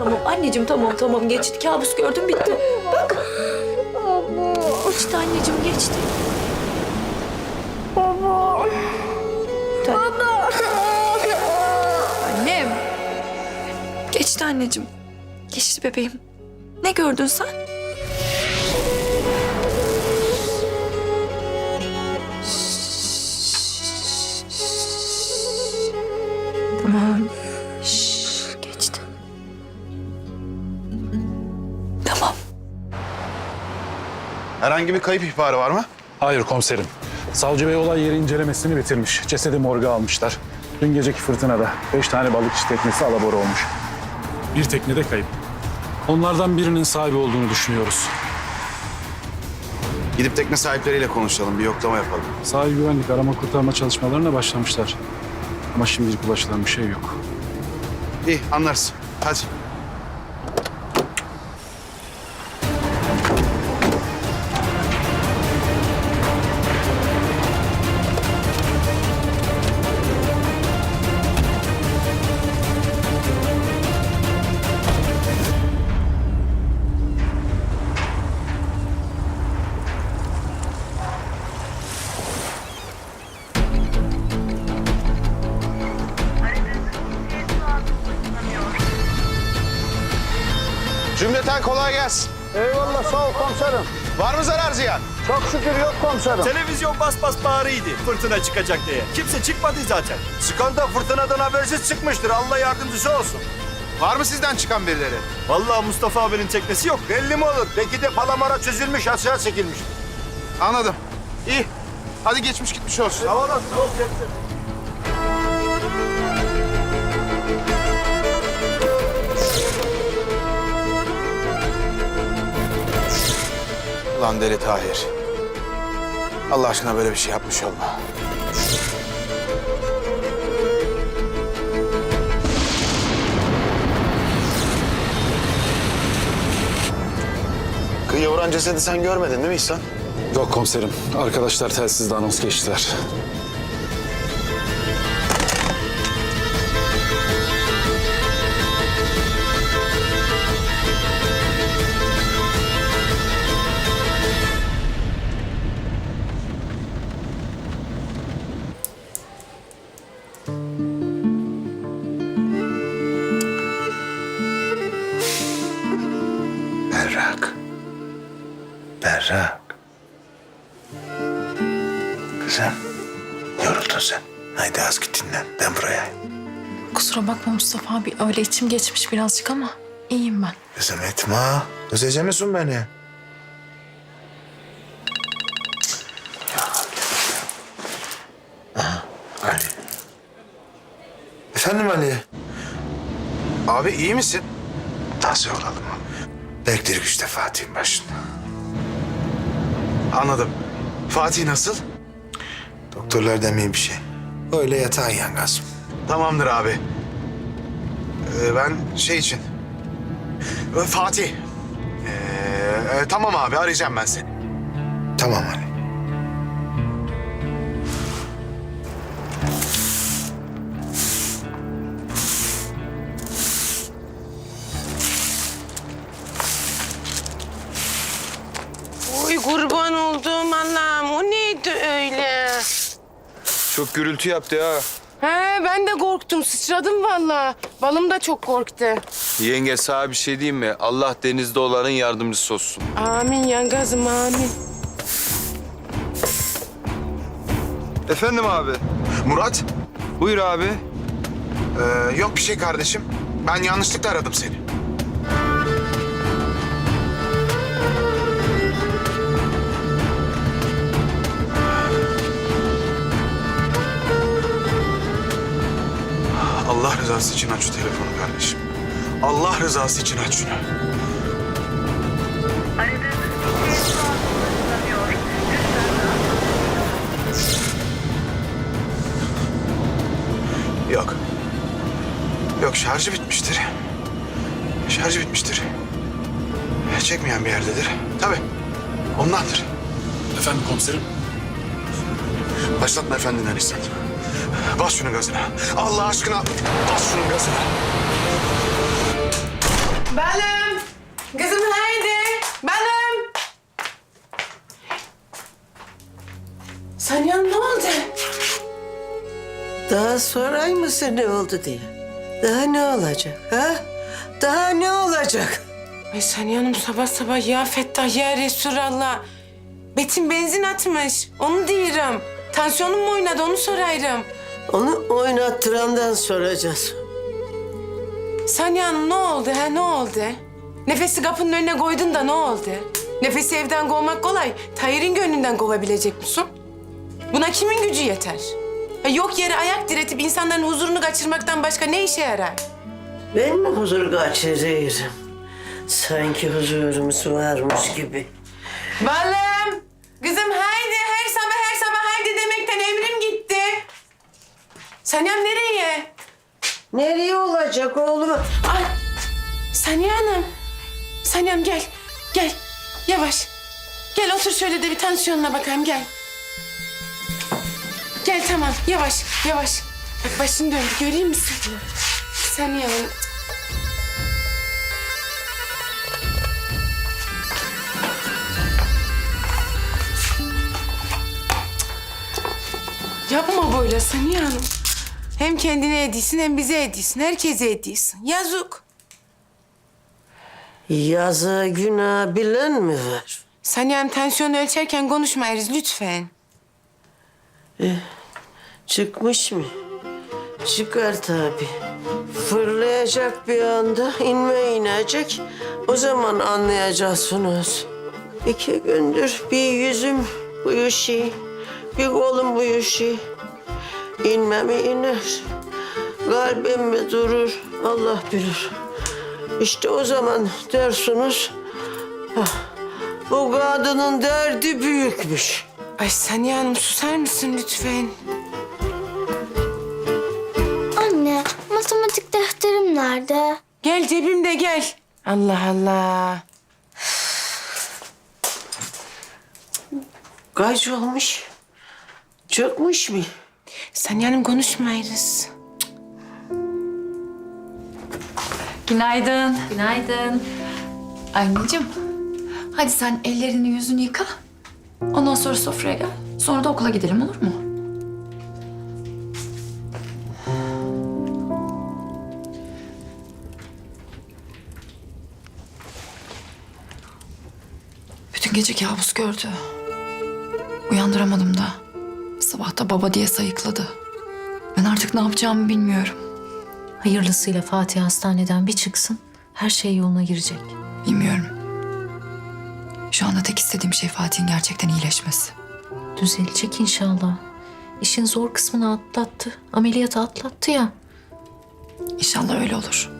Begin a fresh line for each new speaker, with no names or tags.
Tamam anneciğim, tamam geçti. Kabus gördüm, bitti. Bak. Geçti anneciğim, geçti.
Baba.
Baba. Annem. Geçti anneciğim. Geçti bebeğim. Ne gördün sen? Tamam. Geçti. Tamam.
Herhangi bir kayıp ihbarı var mı?
Hayır komiserim. Savcı Bey olay yeri incelemesini bitirmiş. Cesedi morga almışlar. Dün geceki fırtınada 5 tane balıkçı teknesi alabora olmuş. Bir tekne de kayıp. Onlardan birinin sahibi olduğunu düşünüyoruz.
Gidip tekne sahipleriyle konuşalım, bir yoklama yapalım.
Sahil güvenlik arama kurtarma çalışmalarına başlamışlar. Ama şimdilik ulaşılan bir şey yok.
İyi, anlarız. Hadi. Cümleten kolay gelsin.
Eyvallah, sağ ol komiserim.
Var mı zarar ziyan?
Çok şükür yok komiserim.
Televizyon bas bas bağırıydı fırtına çıkacak diye. Kimse çıkmadı zaten.
Çıkan da fırtınadan habersiz çıkmıştır. Allah yardımcısı olsun.
Var mı sizden çıkan birileri?
Vallahi Mustafa abinin teknesi yok.
Belli mi olur? Belki de palamara çözülmüş, aşağı çekilmiş.
Anladım. İyi. Hadi geçmiş gitmiş olsun.
Sağ olasın.
Ulan deli Tahir. Allah aşkına böyle bir şey yapmış olma. Kıyıya vuran cesedi sen görmedin değil mi İhsan?
Yok komiserim. Arkadaşlar telsizde anons geçtiler.
Berrak. Berrak. Kızım, yoruldun sen. Haydi az git dinlen. Ben buraya.
Kusura bakma Mustafa abi. Öyle içim geçmiş birazcık ama iyiyim ben.
Kızım etme. Özleyecek misin beni? Aha, Ali. Efendim Ali?
Abi iyi misin?
Nasıl olalım? Bekledik işte Fatih'in başında.
Anladım. Fatih nasıl?
Doktorlar demeyin bir şey. Öyle yatağın yangaz.
Tamamdır abi. Ben şey için... Fatih. Tamam abi, arayacağım ben seni.
Tamam Ali.
Oy kurban olduğum Allah'ım, o neydi öyle?
Çok gürültü yaptı ha.
He, ben de korktum, sıçradım vallahi. Balım da çok korktu.
Yenge sana bir şey diyeyim mi? Allah denizde olanın yardımcısı olsun.
Amin yangazım, amin.
Efendim abi.
Murat.
Buyur abi.
Yok bir şey kardeşim. Ben yanlışlıkla aradım seni. Allah rızası için aç şu telefonu kardeşim. Allah rızası için aç şunu. Yok. Yok, şarjı bitmiştir. Şarjı bitmiştir. Çekmeyen bir yerdedir. Tabii. Ondandır.
Efendim komiserim?
Başlatma efendinden İhsan. Bas şunun gazına. Allah aşkına bas şunun gazına.
Daha sorayım mısın ne oldu diye? Daha ne olacak ha? Daha ne olacak?
Ay Saniye Hanım sabah sabah ya Fettah ya Resulallah. Betim benzin atmış. Onu diyorum. Tansiyonum mu oynadı onu sorayım.
Onu oynattırandan soracağız.
Saniye Hanım ne oldu ha ne oldu? Nefesi kapının önüne koydun da ne oldu? Nefesi evden kovmak kolay. Tahir'in gönlünden kovabilecek misin? Buna kimin gücü yeter? Ha, yok yere ayak diretip insanların huzurunu kaçırmaktan başka ne işe yarar?
Ben mi huzur kaçırıyorum? Sanki huzurumuz varmış gibi.
Balım! Kızım haydi her sabah haydi demekten emrim gitti. Saniyem nereye?
Nereye olacak oğlum?
Ay! Saniye Hanım. Saniyem gel. Gel. Yavaş. Gel otur şöyle de bir tansiyonuna bakayım gel. Gel tamam yavaş yavaş. Bak başın döndü göreyim misin? Saniye Hanım. Yapma böyle Saniye Hanım. Hem kendine ediyorsun hem bize ediyorsun. Herkese ediyorsun. Yazık.
Yazı günah bilen mi var?
Saniye Hanım tansiyonu ölçerken konuşmayırız lütfen.
Çıkmış mı? Çıkar tabii. Fırlayacak bir anda, inecek. O zaman anlayacaksınız. 2 gündür bir yüzüm uyuşuyor, bir kolum uyuşuyor. İnme mi iner, kalbim mi durur Allah bilir. İşte o zaman dersiniz, bu kadının derdi büyükmüş.
Ay Saniye Hanım susar mısın lütfen?
Anne, matematik defterim nerede?
Gel cebimde gel. Allah Allah.
Kaç olmuş? Çökmüş mü?
Saniye Hanım konuşmayırız.
Günaydın. Günaydın. Anneciğim, hadi sen ellerini yüzünü yıka. Ondan sonra sofraya gel. Sonra da okula gidelim olur mu? Bütün gece kabus gördü. Uyandıramadım da. Sabah da baba diye sayıkladı. Ben artık ne yapacağımı bilmiyorum.
Hayırlısıyla Fatih hastaneden bir çıksın. Her şey yoluna girecek.
Bilmiyorum. Şu anda tek istediğim şey Fatih'in gerçekten iyileşmesi.
Düzelecek inşallah. İşin zor kısmını atlattı. Ameliyatı atlattı ya.
İnşallah öyle olur.